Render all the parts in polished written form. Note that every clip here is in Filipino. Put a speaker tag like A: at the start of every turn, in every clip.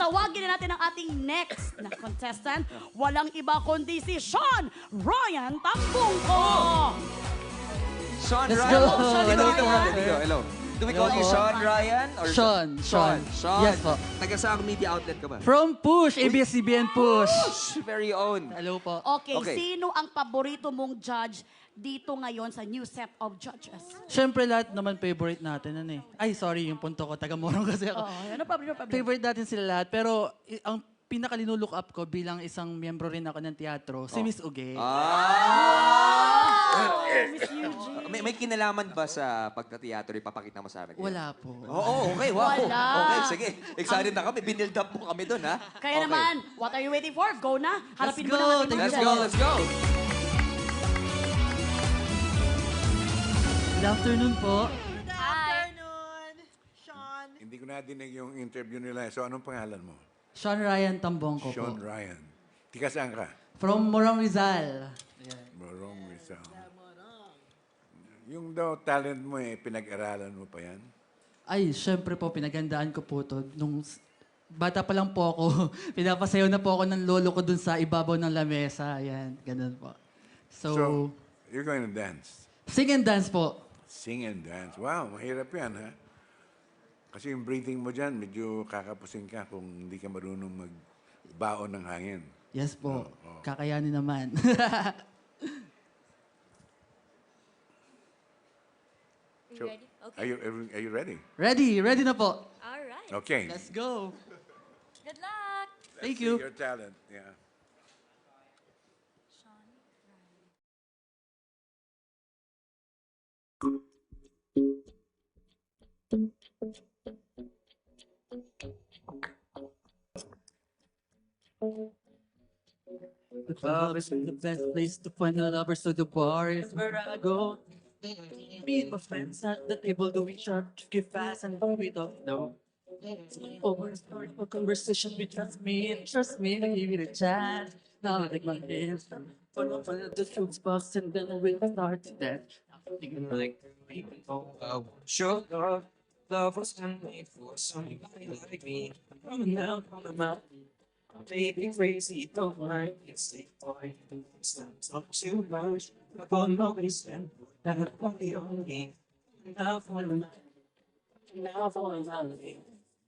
A: tawagin na natin ang ating next na contestant. Walang iba kundi si Sean Ryan Tambungko.
B: Sean
C: Let's
B: Ryan.
C: go.
B: Hello,
C: Hello,
B: hello, hello. Do we call you Sean Ryan? Or
C: Sean.
B: Sean.
C: Yes po.
B: Taga saang media outlet ka ba?
C: From Push, ABS-CBN Push.
B: Very own.
C: Hello po.
A: Okay,
B: Okay.
A: sino ang paborito mong judge dito ngayon sa new set of judges?
C: Siyempre lahat naman favorite natin. Ano eh. Ay, sorry, yung punto ko. Taga-Morong kasi ako.
A: Ano problem?
C: Favorite natin sila lahat. Pero ang pinaka-linulook up ko bilang isang miyembro rin ako ng teatro, si Miss Uge.
A: Miss Eugene.
B: May kinalaman ba sa pagka-teatro ipapakita mo sa amin?
C: Wala po.
B: Oo, okay, wow.
A: Wala.
B: Okay, sige. Excited na kami. Binild up mo kami doon, ha?
A: Kaya
B: Okay.
A: naman, what are you waiting for? Go na. Harapin mo
C: go.
A: na natin
C: Thank
A: mga
B: Let's
C: you
B: go,
A: judges.
B: let's go.
C: Good afternoon po.
D: Good afternoon, Sean.
E: Hindi ko nadinig yung interview nila. So, anong pangalan mo?
C: Sean Ryan Tambongko po.
E: Sean Ryan. Tika saan ka?
C: From Morong Rizal.
E: Morong Rizal. Yung daw talent mo pinag-aralan mo pa yan?
C: Ay, syempre po, pinagandaan ko po to. Nung bata pa lang po ako, pinapasayaw na po ako ng lolo ko dun sa ibabaw ng lamesa. Ayan, ganun po.
E: So, you're going to dance?
C: Sing and dance po.
E: Sing and dance. Wow, mahirap yan, ha? Kasi yung breathing mo dyan, medyo kakapusin ka kung hindi ka marunong magbaon ng hangin.
C: Yes po.
E: Oo.
C: Kakayanin naman.
E: So,
D: Ready? Okay.
E: Are you ready?
C: Ready? Ready na po.
D: All right.
E: Okay.
C: Let's go.
D: Good luck.
C: Thank
E: See
C: you.
E: your talent, yeah.
C: The club is the best place to find the lovers, so the bar is where I go. Meet my friends at the table, doing sharp, give fast, and we don't know. Over start a conversation, we trust me, give it a chance. Now I take my hands, put up on the fruits box, and then we'll start to dance. Thinking like we can go.
F: Sure, love was handmade for somebody like me. Coming out on the mountain, baby crazy, don't mind. It's the boy, it's not talk too much. I'm gonna always stand that only on me. Now for the night, now for the night.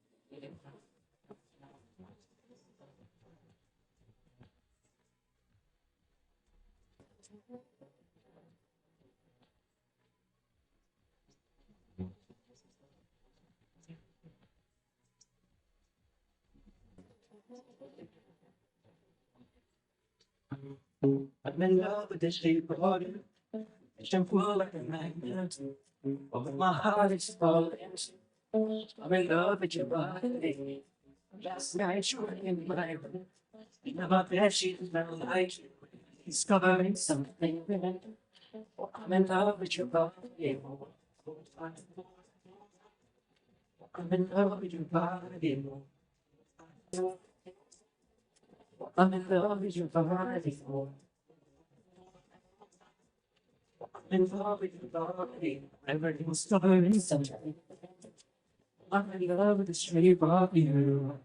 F: I'm in love with the shape of you. Shampoo like a magnet. Oh, my heart is falling. I'm in love with your body. Last night you were in my room. In my bed sheets smell like you. Discovering something. Oh, I'm in love with your body. I'm in love with your body. I'm in love with your body. I'm in love with your body. I'm discovering something. I'm in love with the shape of you.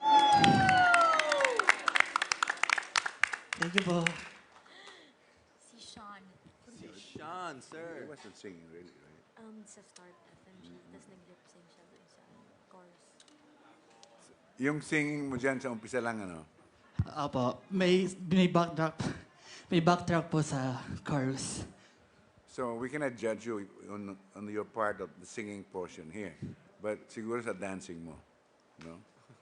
C: Thank you po.
D: Si Sean.
B: Sean,
E: He
B: sir.
E: wasn't singing really, right?
D: Sa Start FM siya. Tapos nag-lip sync siya dun sa chorus.
E: Yung singing mo dyan sa umpisa lang, ano?
C: Apo, may backtrack. May backtrack po sa chorus.
E: So, we cannot judge you on your part of the singing portion here. But siguro sa dancing mo. No?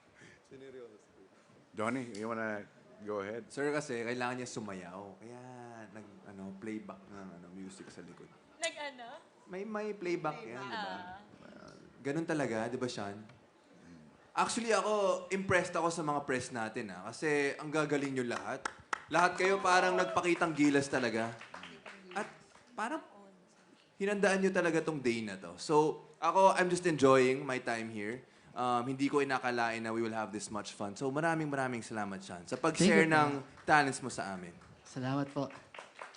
E: Donnie, you wanna go ahead?
B: Sir, kasi kailangan niya sumayaw. Kaya playback ng music sa likod.
D: Nag-ano?
B: May playback yan, di ba? Ganun talaga, di ba, Sean? Actually, ako, impressed ako sa mga press natin, ha? Kasi ang gagaling nyo lahat. Lahat kayo parang nagpakitang gilas talaga. At parang hinandaan nyo talaga tong day na to. So, ako, I'm just enjoying my time here. Hindi ko inakalain na we will have this much fun. So, maraming salamat, Sean, sa pag-share
C: Thank you,
B: ng talents mo sa amin.
C: Salamat po.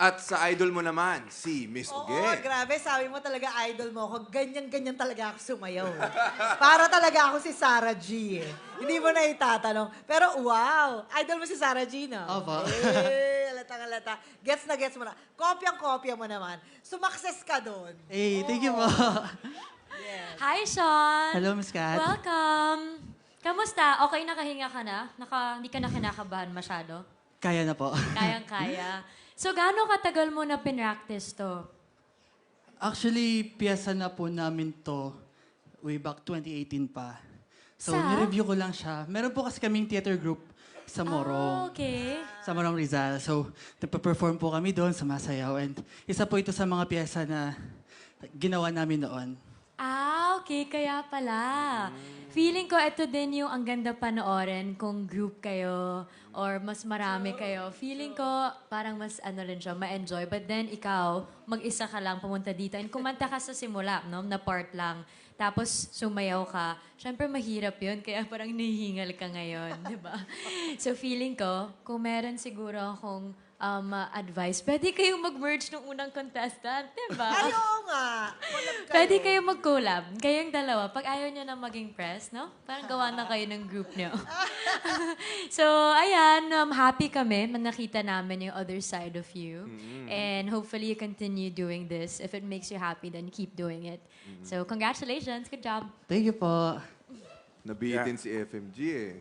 B: At sa idol mo naman, si Miss
G: Oo,
B: Uge.
G: grabe. Sabi mo talaga, idol mo ako. Ganyan-ganyan talaga ako sumayaw. Para talaga ako si Sarah G. Hindi mo na itatanong. Pero wow, idol mo si Sarah G, no?
C: Opo.
G: Halatang-halata. Gets na gets mo na. Kopyang-kopya mo naman. Sumakses ka doon.
C: Hey, thank you po.
D: Hi, Sean!
C: Hello, Miss Kat.
D: Welcome! Kamusta? Okay, nakahinga ka na? Hindi ka na kinakabahan masyado?
C: Kaya na po.
D: Kayang-kaya. So, gaano katagal mo na pinractice to?
C: Actually, piyesa na po namin to way back 2018 pa. So,
D: Sa?
C: nireview ko lang siya. Meron po kasi kaming theater group sa Morong.
D: Okay.
C: Sa Morong Rizal. So, nagpa-perform po kami doon sa Masayaw. And isa po ito sa mga piyesa na ginawa namin noon.
D: Okay. Kaya pala. Feeling ko ito din yung ang ganda panoorin kung group kayo or mas marami kayo. Feeling ko parang mas rin siya, ma-enjoy. But then ikaw, mag-isa ka lang pumunta dito and kumanta ka sa simula, no? Na part lang. Tapos sumayaw ka. Siyempre mahirap yun, kaya parang nahihingal ka ngayon, di ba? So feeling ko, kung meron siguro akong advice, pwede kayong mag-merge ng unang contestant, di ba?
G: Ay, oo nga. Collab kayo.
D: Pwede kayong mag-collab. Kayong dalawa. Pag ayaw nyo na maging press, no? Parang gawa na kayo ng group nyo. So, ayan. Happy kami na nakita namin yung other side of you. And hopefully you continue doing this. If it makes you happy, then keep doing it. So, congratulations. Good job.
C: Thank you po.
B: Nabitin si FMG eh.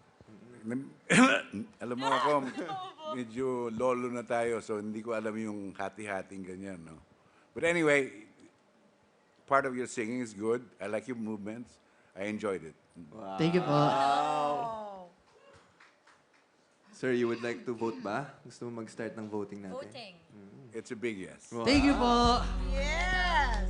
E: Alam mo ako, medyo lolo na tayo, so hindi ko alam yung hati-hating ganyan, no? But anyway, part of your singing is good. I like your movements. I enjoyed it.
C: Thank you po.
B: Sir, you would like to vote ba? Gusto mo mag-start ng voting natin?
D: Voting.
E: It's a big yes.
C: Thank you po.
G: Yes!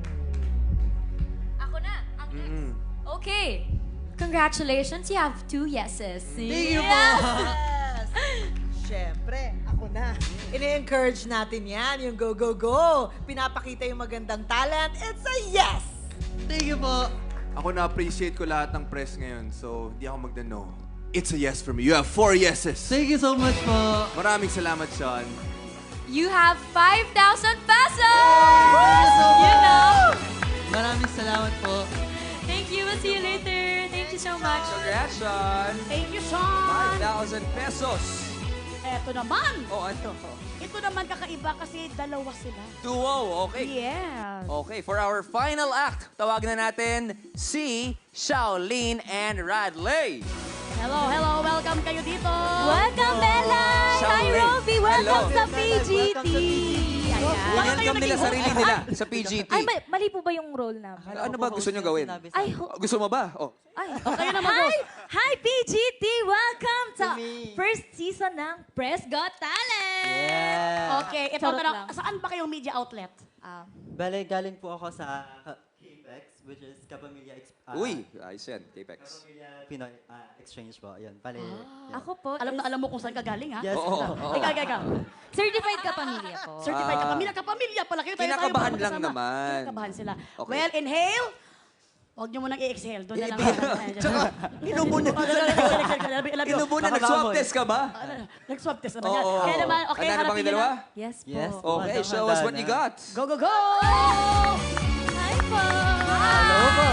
D: Ako na. Ang next. Okay. Congratulations. You have 2 yeses.
C: Thank you po.
G: Yes! Siyempre, ako na. Ini-encourage natin yan, yung go, go, go. Pinapakita yung magandang talent. It's a yes!
C: Thank you po.
B: Ako na-appreciate ko lahat ng press ngayon, so di ako magda-no. It's a yes for me. You have 4 yeses.
C: Thank you so much po.
B: Maraming salamat, Sean.
D: You have 5,000 pesos! You know?
C: Maraming salamat po.
D: Thank you. We'll see you later. Thank you so much.
H: Congrats, Sean!
A: Thank you, Sean!
H: 5,000 pesos!
A: Eto naman.
H: Oh, ano?
A: Ito naman kakaiba kasi dalawa sila.
H: 2-0, okay.
A: Yes.
H: Okay, for our final act, tawagin na natin si Shaolin and Radley.
A: Hello, hello. Welcome kayo dito.
D: Welcome, Bella! Hi,
H: Shaolin.
D: Roby! Welcome
H: Hello.
D: sa PGT!
H: Ganyan kami nila sarili nila sa PGT.
I: Ay, mali po ba yung role namin?
H: Ano ba gusto nyo gawin?
I: Ay,
H: Gusto mo ba? Oh.
I: ay.
A: Okay naman,
I: Hi!
A: boss.
I: Hi, PGT! Welcome to first season ng Press Got Talent!
A: Okay, ito
I: Charot
A: na
I: lang.
A: saan ba kayong media outlet?
J: Bale, galing po ako sa KPEX, which is Kapamilya
H: Uy, ayos yan, Apex.
J: Pinoy Exchange po. Yan, bale. yan.
I: Ako po,
A: Alam mo kung saan ka galing, ha?
J: Yes,
H: Oo, oo.
A: Ikaw.
I: certified ka pamilya po.
A: Certified ka pamilya. Kapamilya pala kayo. Tayo
H: Kinakabahan
A: tayo
H: lang
A: magkasama.
H: naman.
A: Kinakabahan sila.
H: Okay.
A: Well, inhale. Huwag niyo munang i-exhale. Doon na lang.
H: Tsaka, inubo na. Inubo na, nag-swab test ka ba?
A: Nag-swab test naman yan.
H: Oo.
A: Kaya naman, okay,
H: Ano na bang
A: harapin niyo
H: dalawa?
A: na.
I: Yes po.
J: Yes.
H: Okay, show us what you got.
A: Go, go, go!
I: Hi po!
J: Hello po!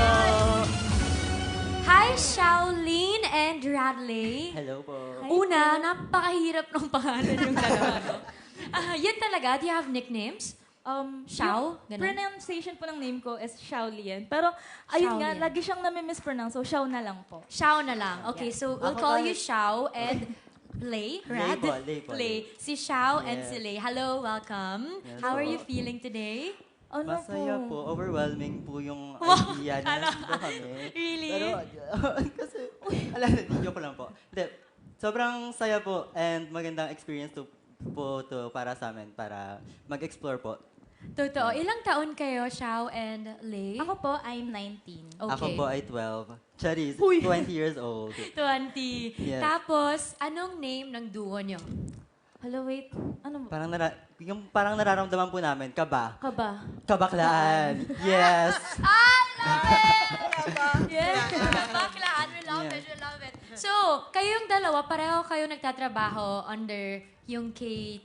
D: Hi, Shaolin and Radley.
J: Hello po.
D: Una, napakahirap ng pangalan yung dalawa. No? Yun talaga. Do you have nicknames? Xiao?
I: Yung
D: Ganun?
I: pronunciation po ng name ko is Xiaolian. Pero, ayun nga,
D: Xiaolian.
I: lagi siyang nami-mispronounce. So, Xiao na lang po.
D: Xiao na lang. Okay, so we'll
J: Ako
D: call
J: kahit-
D: you Xiao and Lay, Rad?
J: po, Lay po,
D: Lay.
J: Lay.
D: Si Xiao and
J: Yes.
D: si Lay. Hello, welcome.
J: Yes
D: How are
J: po.
D: you feeling today?
I: Ano
J: Masaya
I: po?
J: po. Overwhelming po yung
D: Wow,
J: idea na nandito kami.
D: Really?
J: Pero, kasi, joke lang po. Hindi, sobrang saya po and magandang experience to para sa amin para mag-explore po.
D: Totoo. Ilang taon kayo, Xiao and Lay?
I: Ako po, I'm 19.
D: Okay.
J: Ako po ay 12. Charis,
A: Uy.
J: 20 years old.
D: 20.
J: Yes.
D: Tapos, anong name ng duo nyo?
I: Hello, wait. Ano ba?
J: Parang nararamdaman po namin, kaba.
I: Kaba.
J: Kabaklaan. Yes.
D: Yes! Baklaan. We love it. We love it. So, kayong dalawa, pareho kayo nagtatrabaho under yung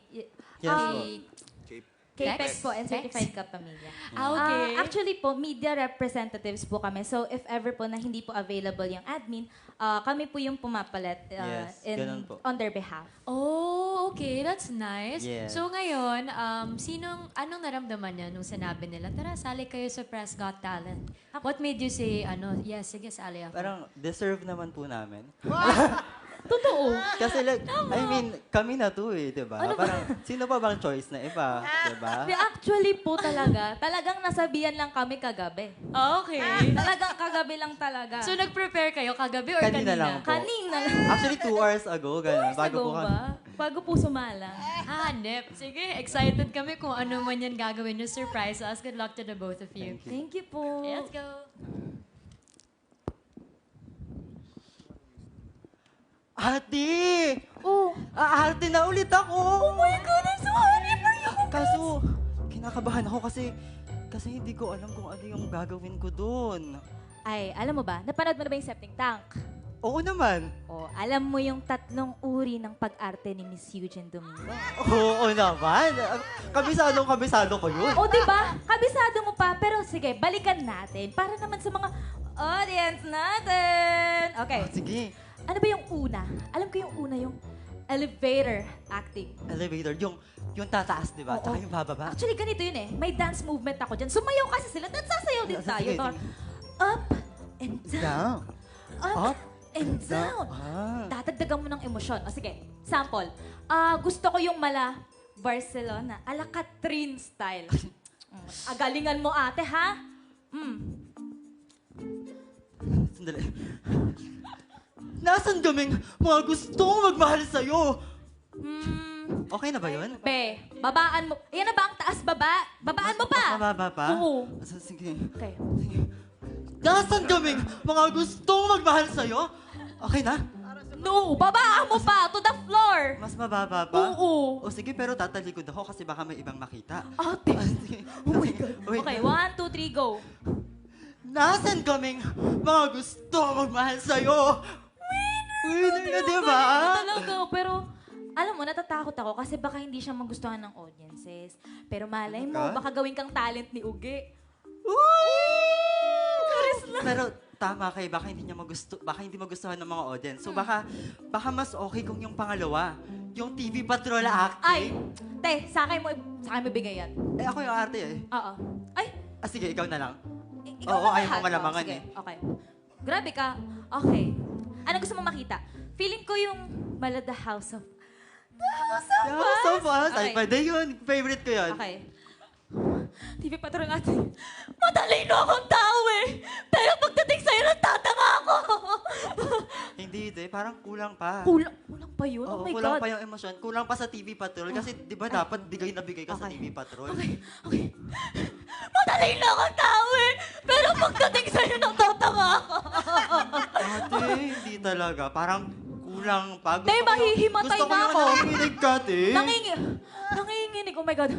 I: K-PEX po and
D: Pex?
I: Certified Ka Pamilya.
D: Okay.
I: Actually po, media representatives po kami. So if ever po na hindi po available yung admin, kami po yung pumapalit
J: Yes, ganun po.
I: on their behalf.
D: Oh, okay. That's nice.
J: Yeah.
D: So ngayon, anong naramdaman niya nung sinabi nila, tara, sali kayo sa Press Got Talent? What made you say, yes, sige, sali ako?
J: Parang deserve naman po namin.
I: Totoo.
J: Kasi kami na to eh, di ba? Parang, sino pa bang choice na iba? Di ba?
I: Actually po talagang nasabihan lang kami kagabi.
D: Okay.
I: Talagang kagabi lang talaga.
D: So nag-prepare kayo kagabi or kanina?
J: Kanina lang po.
I: Kanina lang.
J: Actually, 2 hours ago, ganun. Bago po kami.
I: Bago po sumala.
D: Hanep. Sige, excited kami kung ano man yan gagawin nyo. Surprise us. Good luck to the both of you.
I: Thank you po.
D: Let's go.
J: Ate!
I: Oh,
J: Ate na ulit ako!
I: oh my God, I'm so happy for you.
J: Kaso, kinakabahan ako kasi hindi ko alam kung ano yung gagawin ko doon.
I: Ay, alam mo ba, napanood mo na ba yung Septic Tank?
J: Oo naman.
I: Oh, alam mo yung 3 uri ng pag-arte ni Miss Eugene Domingo?
J: Oo naman. Kabisado ko yun.
I: O, di ba? Kabisado mo pa. Pero sige, balikan natin para naman sa mga audience natin. Okay.
J: Sige.
I: Ano ba yung una? Alam ko yung una, yung elevator acting.
J: Elevator. Yung tataas, di ba?
I: Oo.
J: Tsaka yung bababa.
I: Actually, ganito yun eh. May dance movement ako dyan. Sumayaw kasi sila. At sasayaw din
J: Sige,
I: tayo.
J: sige.
I: Parang up and down. Up,
J: Up
I: and down. Dadagdagan mo ng emosyon. O sige, sample. Gusto ko yung mala Barcelona. Ala Catherine style. Agalingan mo ate, ha?
J: Sandali. Nasaan kaming mga gustong magmahal sa'yo? Okay na ba yun?
I: Be, babaan mo. Yan na ba ang taas baba? Babaan mo pa.
J: Mas mababa pa?
I: Oo.
J: Sige.
I: Okay.
J: Nasaan kaming mga gustong magmahal sa'yo? Okay na?
I: No, babaan mo pa to the floor.
J: Mas mababa pa?
I: Oo.
J: O sige, pero tatalikod ako kasi baka may ibang makita.
I: Ate.
J: Sige. Oh my God. Wait.
I: Okay, 1, 2, 3, go.
J: Nasaan kaming mga gusto magmahal sa'yo? Winner na, di ba?
I: Talaga, pero alam mo, natatakot ako kasi baka hindi siya magustuhan ng audiences. Pero malay mo, baka gawin kang talent ni Uge.
J: Pero tama kay baka hindi magustuhan ng mga audience. So baka mas okay kung yung pangalawa, yung TV Patrol
I: Ay,
J: acting.
I: te, sa akin mo bigay yan.
J: Eh ako yung arte eh.
I: Oo. Ay,
J: Sige, ikaw na lang.
I: ikaw
J: Oo,
I: na
J: ayaw
I: lahat.
J: mo malamangan
I: Sige,
J: eh.
I: Okay. Grabe ka. Okay. Ano gusto mo makita? Feeling ko yung Mala The House of... The House of
J: Yeah, so fun.
I: Okay.
J: Ay, pwede yun. Favorite ko yun.
I: Okay. TV Patrol natin. Matalino akong tao eh. Pero pagdating sa'yo, natatanga ako.
J: Hindi, parang kulang pa.
I: Kulang pa yun?
J: Oo,
I: Oh my
J: kulang
I: God.
J: pa yung emosyon. Kulang pa sa TV Patrol. Kasi di ba dapat bigay na bigay ka sa
I: Okay.
J: TV Patrol?
I: Okay. Matalino akong tao eh. Pero pagdating sa'yo, natatanga ako.
J: Ate, hindi talaga. Parang kulang pa.
I: Tay, mahihimatay
J: gusto ko
I: na
J: yung
I: ako.
J: nanginginig ka, te.
I: Nanginginig. Oh my God.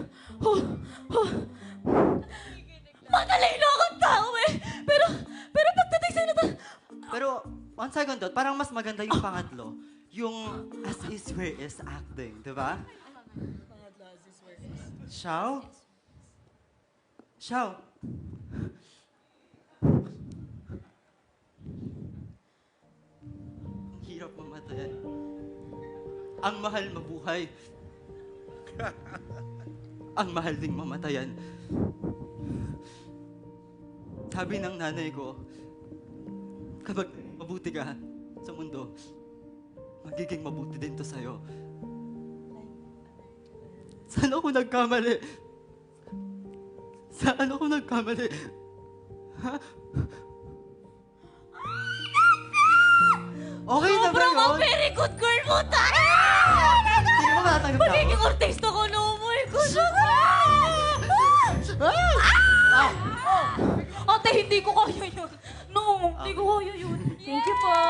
I: Matalino akong tao eh. Pero pagdating sa'yo,
J: Pero, one second thought, parang mas maganda yung pangatlo. Yung as is where is acting, di ba? Xiao? Xiao? Ang hirap mamatay. Ang mahal mabuhay. Ang mahal ding mamatayan. Sabi ng nanay ko, kapag mabuti ka sa mundo, magiging mabuti din to sa'yo. Saan ako nagkamali? Saan ako nagkamali? Ha? Okay na ba
I: sobrang
J: yun?
I: very good girl mo tayo.
J: Hindi mo matatanggap na ako?
I: Magiging artista ko na umuwi ko siya. Ate, hindi ko kaya yun. No, hindi ko kaya yun. Thank you po.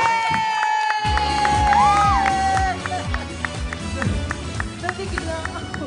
I: Nabigla ako.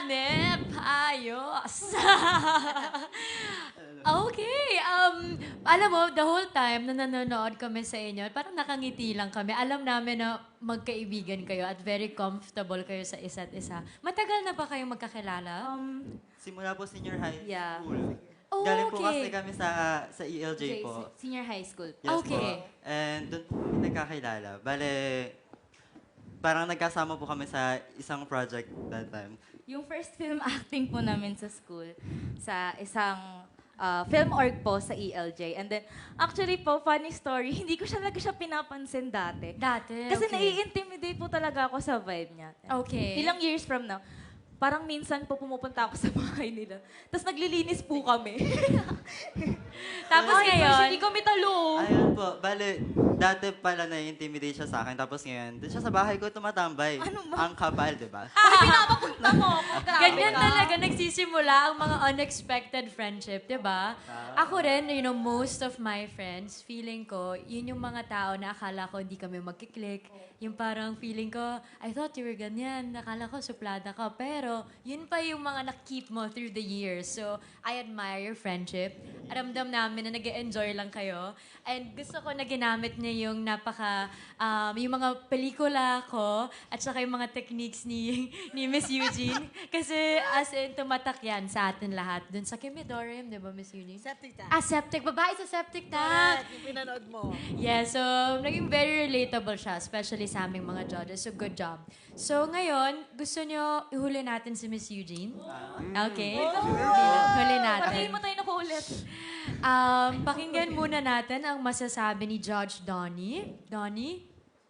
D: Hanep, ayos. Okay, Alam mo, the whole time na nanonood kami sa inyo, parang nakangiti lang kami. Alam namin na magkaibigan kayo at very comfortable kayo sa isa't isa. Matagal na ba kayong magkakilala?
J: Simula po senior high
I: Yeah.
J: school.
D: Oh,
J: Galing po
D: okay.
J: kasi kami sa ELJ po.
I: Senior high school.
J: Yes
D: Okay.
J: po. And doon po kami nagkakilala. Bale, parang nagkasama po kami sa isang project that time.
I: Yung first film acting po namin sa school, sa isang film org po sa ELJ. And then, actually po, funny story, hindi ko talaga siya pinapansin dati.
D: Dati,
I: Kasi
D: okay.
I: nai-intimidate po talaga ako sa vibe niya.
D: Okay.
I: Ilang years from now, parang minsan po pumupunta ako sa bahay nila. Tapos naglilinis po kami.
D: Tapos
I: Ay,
D: ngayon,
I: hindi kami talo.
J: Ayun po, bale, dati pala na-intimidate siya sa akin. Tapos ngayon, doon siya sa bahay ko tumatambay.
I: Ano ba?
J: Ang kapal, di ba?
I: Pinapapunta mo ako. Grabe
D: ganyan
I: ka.
D: talaga nagsisimula ang mga unexpected friendship, di ba? Ako rin, most of my friends, feeling ko, yun yung mga tao na akala ko hindi kami magkiklik. Yung parang feeling ko, I thought you were ganyan. Akala ko suplada ka. Pero, yun pa yung mga na-keep mo through the years. So, I admire your friendship. Ramdam namin na nag-enjoy lang kayo. And gusto ko na ginamit niya yung yung mga pelikula ko at saka yung mga techniques ni Miss Eugene. Kasi as in, tumatak yan sa atin lahat. Dun sa Kimidorium, di ba, Miss Eugene?
G: Septic tank.
D: Septic. Babae sa septic tank.
G: Yung pinanood mo.
D: Yeah, so naging very relatable siya, especially sa aming mga judges. So, good job. So, ngayon, gusto nyo ihuli natin si Miss Eugene? Okay. Huli natin.
I: Patayin mo tayo na ulit.
D: Pakinggan muna natin ang masasabi ni Judge Donnie. Donnie?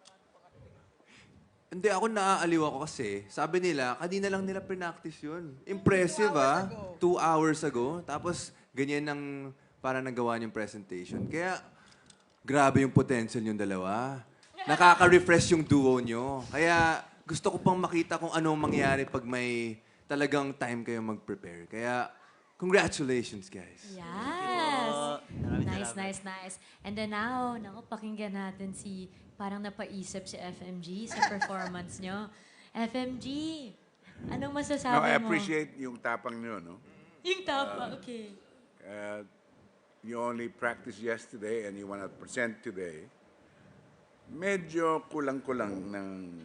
B: Hindi, ako naaaliw ako kasi, sabi nila, kanina lang nila pinactice yun. Impressive, 2 hours ago. Tapos, ganyan ang parang nagawa niyong presentation. Kaya, grabe yung potential yung dalawa. Nakaka-refresh yung duo nyo. Kaya, gusto ko pang makita kung anong mangyari pag may talagang time kayo mag-prepare. Kaya, congratulations, guys.
D: Yes.
J: Maraming
D: Nice,
J: salamat.
D: nice. And then now, pakinggan natin parang napaisip si FMG sa performance nyo. FMG, anong masasabi
E: No, I
D: mo?
E: appreciate yung tapang nyo, no?
D: Yung tapa, okay.
E: You only practiced yesterday and you want to present today. Medyo kulang-kulang ng...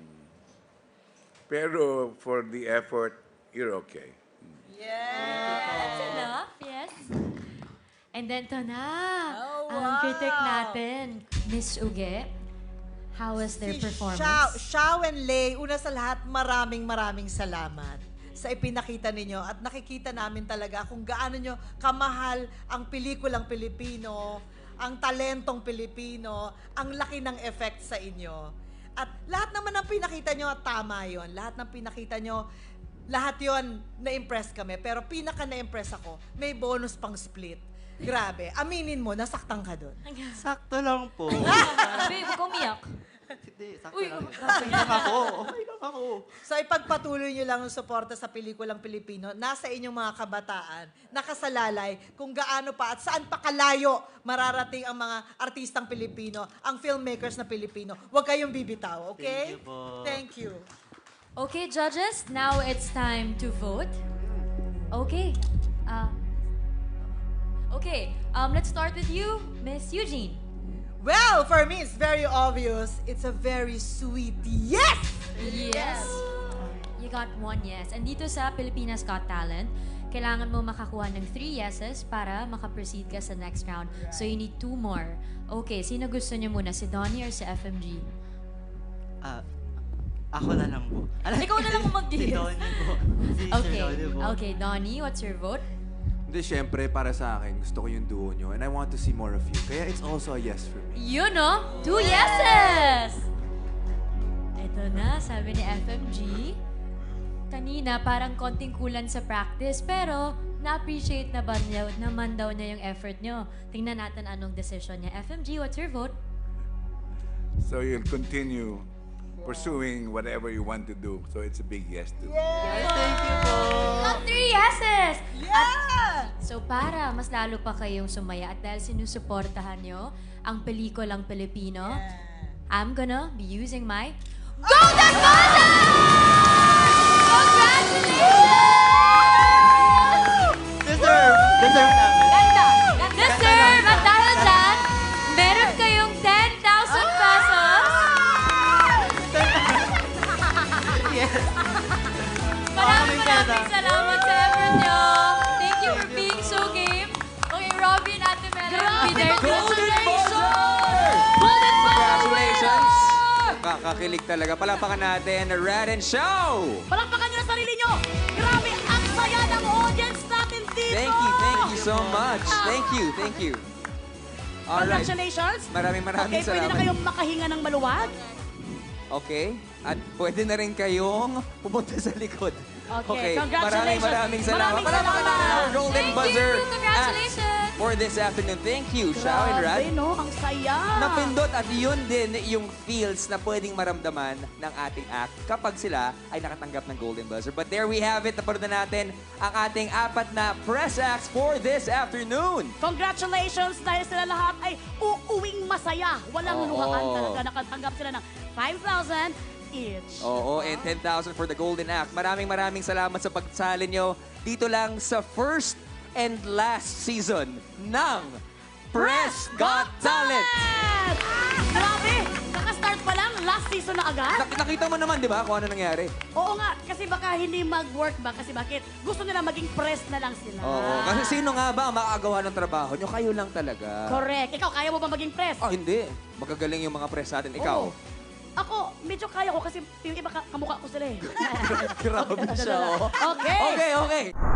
E: Pero for the effort, you're okay.
D: That's enough, yes. And then to na,
G: Oh,
D: ang
G: wow.
D: critic natin, Miss Uge. How was their
G: Si
D: performance?
G: Xiao and Lay, una sa lahat, maraming salamat sa ipinakita ninyo at nakikita namin talaga kung gaano nyo kamahal ang pelikulang Pilipino, ang talentong Pilipino, ang laki ng effect sa inyo. At lahat naman ng pinakita nyo, tama yon. Lahat ng pinakita nyo, lahat yon na-impress kami. Pero pinaka na-impress ako, may bonus pang split. Grabe. Aminin mo, nasaktan ka doon.
J: Sakto lang po.
I: Babe, huwag umiyak.
J: Hindi, sakto lang. Okay lang ako. Okay lang ako.
G: So ipagpatuloy nyo lang ang suporta sa pelikulang Pilipino, nasa inyong mga kabataan, nakasalalay kung gaano pa at saan pa kalayo mararating ang mga artistang Pilipino, ang filmmakers na Pilipino. Huwag kayong bibitaw, okay?
J: Thank you po.
G: Thank you.
D: Okay, judges, now it's time to vote. Okay. Let's start with you, Miss Eugene.
G: Well, for me, it's very obvious. It's a very sweet yes!
D: Yes. You got 1 yes. And dito sa Pilipinas Got Talent, kailangan mo makakuha ng 3 yeses para makaproceed ka sa next round. So you need 2 more. Okay, sino gusto niyo muna? Si Donnie or si FMG?
J: Ako na lang po.
I: Ikaw na lang ang mag-yes.
J: Si Donnie po. Si
D: Okay.
J: Sir Donnie po.
D: Okay, Donnie, what's your vote?
B: Hindi, syempre, para sa akin, gusto ko yung duo nyo. And I want to see more of you. Kaya it's also a yes for me.
D: You know, 2 yeses! Ito na, sabi ni FMG. Kanina, parang konting kulan sa practice, pero na-appreciate naman daw niya yung effort nyo. Tingnan natin anong decision niya. FMG, what's your vote?
E: So you'll continue pursuing whatever you want to do. So it's a big yes to.
J: Yes, thank you po.
D: Got 3 yeses!
G: Yeah!
D: So para mas lalo pa kayong sumaya at dahil sinusuportahan nyo ang pelikulang Pilipino, I'm gonna be using my Golden Buzzer! Congratulations!
J: Deserve namin.
D: Ganda! Deserve! At dahil dyan,
H: Nakakakilig talaga. Palapakan natin, Rad and Show!
A: Palakpakan nyo na sarili nyo! Grabe, ang saya ng audience natin dito!
H: Thank you so much. Thank you. Alright.
A: Congratulations!
H: Maraming
A: Okay, pwede na
H: salamat.
A: kayong makahinga ng maluwag.
H: Okay. At pwede na rin kayong pumunta sa likod.
A: Okay, congratulations.
H: Maraming salamat.
A: Maraming
H: Palapakan
A: salamat.
H: natin our Golden
D: Thank
H: Buzzer
D: you. Congratulations.
H: act for this afternoon. Thank you, Shao and Rad.
A: Grabe, no? Ang saya.
H: Napindot at yun din yung feels na pwedeng maramdaman ng ating act kapag sila ay nakatanggap ng Golden Buzzer. But there we have it. Napanood na natin ang ating 4 na press acts for this afternoon.
A: Congratulations dahil sila lahat ay uuwing masaya. Walang
H: Oo.
A: luhaan talaga. Nakatanggap sila ng 5,000 each.
H: Oo, and 10,000 for the Golden Act. Maraming salamat sa pagsali nyo dito lang sa first and last season ng Press Got Talent!
A: Grabe! Kaka-start pa lang, last season na agad?
H: Nakita mo naman, di ba, kung ano nangyari?
A: Oo nga, kasi baka hindi mag-work ba? Kasi bakit? Gusto nila maging press na lang sila.
H: Oo, kasi sino nga ba ang makakagawa ng trabaho nyo? Kayo lang talaga.
A: Correct. Ikaw, kaya mo ba maging press?
H: Ah, hindi. Magagaling yung mga press natin. Ikaw?
A: Oo. Ako, medyo kaya ko kasi yung iba kamukha ko sila eh.
H: Grabe siya, oh.
A: Okay.
H: Okay.